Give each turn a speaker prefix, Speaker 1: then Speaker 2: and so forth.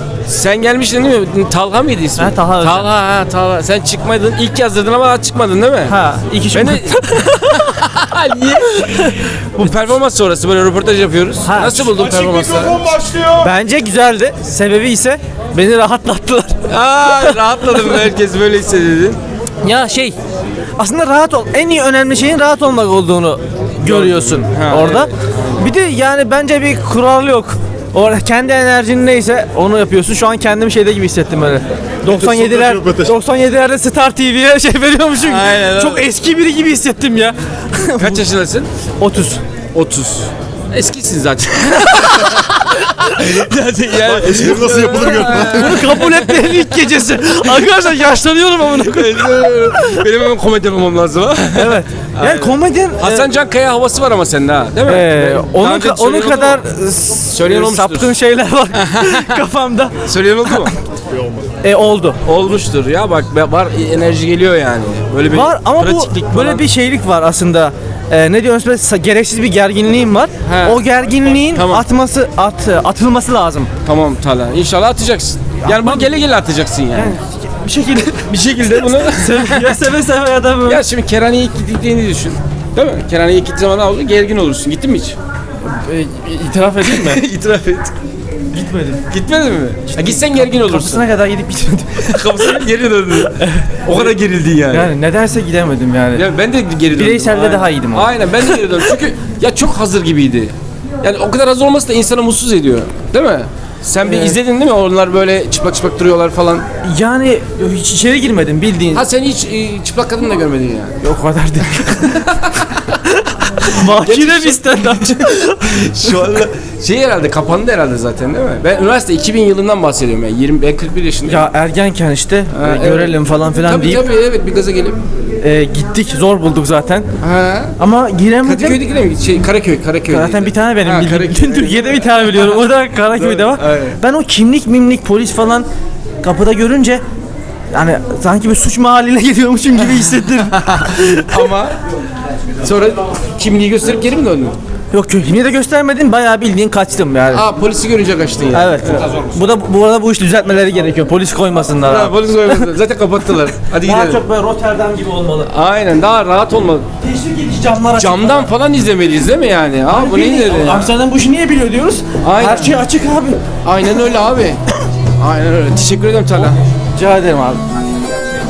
Speaker 1: Sen gelmiştin değil mi? Talha mıydı ismi?
Speaker 2: Ha, Talha Özcan.
Speaker 1: Talha. Sen çıkmadın. İlk yazdırdın ama daha çıkmadın değil mi?
Speaker 2: Ha, iki
Speaker 1: Ben de... Niye? Bu performans sonrası böyle röportaj yapıyoruz.
Speaker 2: Ha.
Speaker 1: Nasıl buldun performansları?
Speaker 2: Bence güzeldi. Sebebi ise beni rahatlattılar.
Speaker 1: Rahatladım, herkes böyle hissediyor.
Speaker 2: Ya aslında rahat ol. En iyi önemli şeyin rahat olmak olduğunu görüyorsun
Speaker 1: Ha,
Speaker 2: orada.
Speaker 1: evet.
Speaker 2: Bir de yani bence bir kural yok. Orada kendi enerjin neyse onu yapıyorsun. Şu an kendimi şeyde gibi hissettim böyle. 97'lerde Star TV'ye veriyormuşum.
Speaker 1: Aynen,
Speaker 2: Çok eski biri gibi hissettim ya.
Speaker 1: Kaç yaşındasın?
Speaker 2: 30.
Speaker 1: 30. Eskisin zaten. Yani,
Speaker 3: Espri nasıl yapılır gör.
Speaker 2: Bunu kabul etmeyen ilk gecesi. Arkadaşlar yaşlanıyorum amına koyayım.
Speaker 1: benim hemen komedyen olmam lazım ha.
Speaker 2: Evet. Yani komedyen
Speaker 1: Hasan Can Kaya havası var ama sende ha, değil mi? Daha önce
Speaker 2: onun
Speaker 1: söyleyen oldu
Speaker 2: kadar
Speaker 1: mu? Söyleyen olmuştur.
Speaker 2: saptığın şeyler var kafamda.
Speaker 1: Söyleyen oldu mu?
Speaker 2: Oldu.
Speaker 1: Olmuştur ya, bak var, enerji geliyor yani. Böyle bir
Speaker 2: Var ama bu
Speaker 1: pratiklik
Speaker 2: böyle
Speaker 1: falan.
Speaker 2: bir şeylik var aslında. Ne diyorsun, böyle gereksiz bir gerginliğim var.
Speaker 1: He.
Speaker 2: O gerginliğin
Speaker 1: Tamam.
Speaker 2: atılması lazım.
Speaker 1: Tamam Talha, İnşallah atacaksın. Yani bunu gele atacaksın yani.
Speaker 2: Bir şekilde
Speaker 1: bunu
Speaker 2: ya seve ya da böyle.
Speaker 1: ya şimdi Kerhane'ye ilk gittiğini düşün. Değil mi? Kerhane'ye ilk gittiğin zaman ne oldu? Gergin olursun. Gittin mi hiç?
Speaker 2: İtiraf edeyim mi?
Speaker 1: İtiraf et.
Speaker 2: Gitmedim.
Speaker 1: Gitmedin mi? Ha, gitsen gergin olursun.
Speaker 2: Kapısına kadar gidip gitmedim.
Speaker 1: Kapısına geri döndün. O kadar gerildin yani.
Speaker 2: Yani nedense gidemedim yani.
Speaker 1: Ya ben de geri döndüm.
Speaker 2: Bireyselde
Speaker 1: Aynen.
Speaker 2: daha iyiydim ama.
Speaker 1: Aynen, ben de geri döndüm. Çünkü ya çok hazır gibiydi. Yani o kadar hazır olması da insanı mutsuz ediyor. Değil mi? Sen bir izledin değil mi? Onlar böyle çıplak çıplak duruyorlar falan.
Speaker 2: Yani hiç içeri girmedim bildiğin.
Speaker 1: Ha, sen hiç çıplak kadın da görmedin yani.
Speaker 2: Yok o kadar değil. Mahkine bir stand-upçı.
Speaker 1: Şu anda herhalde kapandı herhalde zaten, değil mi? Ben üniversite 2000 yılından bahsediyorum yani. Ben 41 yaşındayım.
Speaker 2: Ya ergenken işte
Speaker 1: evet.
Speaker 2: görelim falan filan
Speaker 1: Tabii
Speaker 2: deyip
Speaker 1: evet, bir gaza gelip.
Speaker 2: gittik, zor bulduk zaten.
Speaker 1: Ha.
Speaker 2: Ama giremedim.
Speaker 1: Kadıköy'deki mi? Karaköy.
Speaker 2: Zaten bir tane benim bildiğim.
Speaker 1: Karaköy.
Speaker 2: Bütün Türkiye'de bir tane biliyorum. O da Karaköy'de var.
Speaker 1: Aynen.
Speaker 2: Ben o kimlik polis falan kapıda görünce yani sanki bir suç mahalline geliyormuşum gibi hissettim.
Speaker 1: Ama sonra kimliği gösterip geri mi döndün?
Speaker 2: Yok, kimliği de göstermedim. Bayağı bildiğin kaçtım yani.
Speaker 1: Polisi görünce kaçtın yani.
Speaker 2: Evet. Bu arada bu iş düzeltmeleri gerekiyor. Polis koymasınlar.
Speaker 1: Ha,
Speaker 2: abi.
Speaker 1: polis koymadı. Zaten kapattılar. Hadi
Speaker 2: Daha
Speaker 1: gidelim.
Speaker 2: çok böyle Rotterdam gibi olmalı.
Speaker 1: Aynen, daha rahat olmalı.
Speaker 2: Teşvik edici camlar açık.
Speaker 1: Camdan falan izlemeliyiz değil mi yani? Bu nedir ya?
Speaker 2: Amsterdam bu işi niye biliyor diyoruz?
Speaker 1: Aynen.
Speaker 2: Her şey açık abi.
Speaker 1: Aynen öyle abi. Aynen öyle. Teşekkür ederim Talha.
Speaker 2: Rica ederim abi.